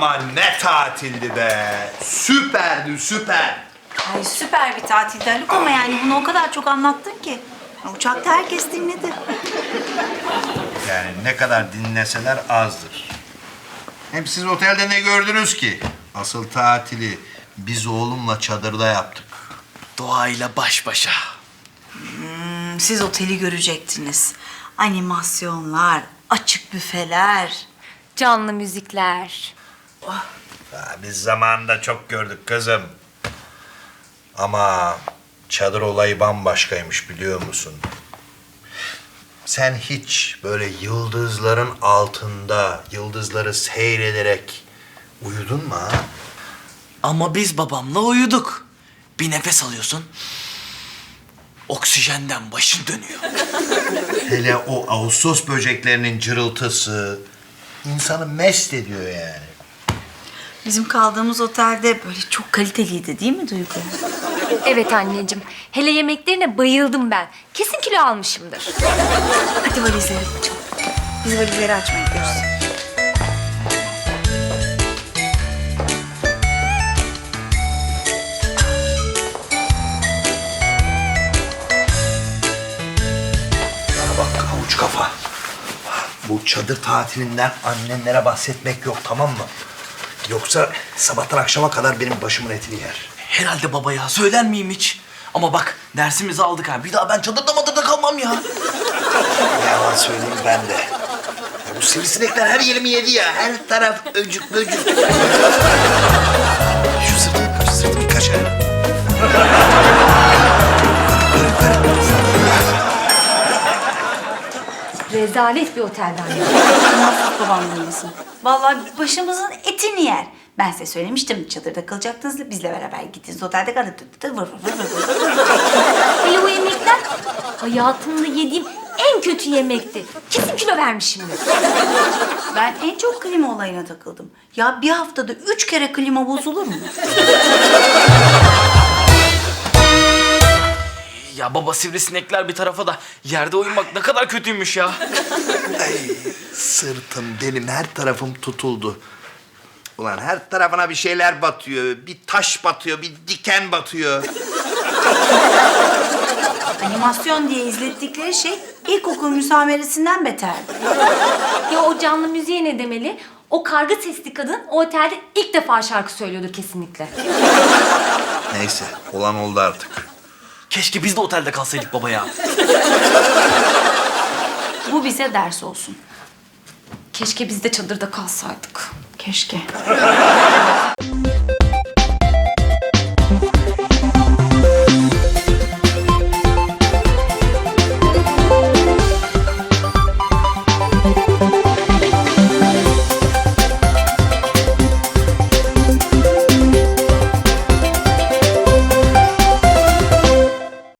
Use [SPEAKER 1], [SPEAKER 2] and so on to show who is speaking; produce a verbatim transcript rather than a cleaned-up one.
[SPEAKER 1] Ama ne tatildi be. Süperdi, süper.
[SPEAKER 2] Ay süper bir tatildi Haluk ama yani bunu o kadar çok anlattın ki. Uçakta herkes dinledi.
[SPEAKER 1] Yani ne kadar dinleseler azdır. Hem siz otelde ne gördünüz ki? Asıl tatili biz oğlumla çadırda yaptık.
[SPEAKER 3] Doğayla baş başa.
[SPEAKER 2] Hmm, siz oteli görecektiniz. Animasyonlar, açık büfeler.
[SPEAKER 4] Canlı müzikler.
[SPEAKER 1] Ha, biz zamanında çok gördük kızım. Ama çadır olayı bambaşkaymış biliyor musun? Sen hiç böyle yıldızların altında yıldızları seyrederek uyudun mu ha?
[SPEAKER 3] Ama biz babamla uyuduk. Bir nefes alıyorsun. Oksijenden başın dönüyor.
[SPEAKER 1] Hele o Ağustos böceklerinin cırıltısı insanı mest ediyor yani.
[SPEAKER 2] Bizim kaldığımız otelde böyle çok kaliteliydi değil mi Duygu?
[SPEAKER 4] Evet anneciğim. Hele yemeklerine bayıldım ben. Kesin kilo almışımdır.
[SPEAKER 2] Hadi valizleri açalım. Biz valizleri açmaya gidiyoruz.
[SPEAKER 1] Bana bak havuç kafa. Bu çadır tatilinden annenlere bahsetmek yok tamam mı? Yoksa sabahtan akşama kadar benim başımın etini yer.
[SPEAKER 3] Herhalde baba ya, söyler miyim hiç? Ama bak, dersimizi aldık ha. Bir daha ben çadırda madırda kalmam ya.
[SPEAKER 1] Ne yalan söyleyeyim ben de. Ya bu sivrisinekler her yerimi yedi ya. Her taraf öcük böcük. Şu sırtımı kaç, sırtımı kaç ha.
[SPEAKER 4] Rezalet bir oteldi anne.
[SPEAKER 2] Muhakkak babam dinlesin. Vallahi başımızın etini yer. Ben size söylemiştim çadırda kalacaktınız. Bizle beraber gittiniz otelde kalın.
[SPEAKER 4] Hele o yemekler hayatımda yediğim en kötü yemekti. Kesin kilo vermişimdir.
[SPEAKER 2] Ben en çok klima olayına takıldım. Ya bir haftada üç kere klima bozulur mu?
[SPEAKER 3] Ya baba, sivrisinekler bir tarafa da yerde uyumak ne kadar kötüymüş ya.
[SPEAKER 1] Ay, sırtım benim her tarafım tutuldu. Ulan her tarafına bir şeyler batıyor. Bir taş batıyor, bir diken batıyor.
[SPEAKER 2] Animasyon diye izlettikleri şey ilkokul müsameresinden beterdi.
[SPEAKER 4] Ya o canlı müziğe ne demeli? O karga sesli kadın o otelde ilk defa şarkı söylüyordur kesinlikle.
[SPEAKER 1] Neyse, olan oldu artık.
[SPEAKER 3] Keşke biz de otelde kalsaydık baba ya.
[SPEAKER 2] Bu bize ders olsun.
[SPEAKER 4] Keşke biz de çadırda kalsaydık.
[SPEAKER 2] Keşke.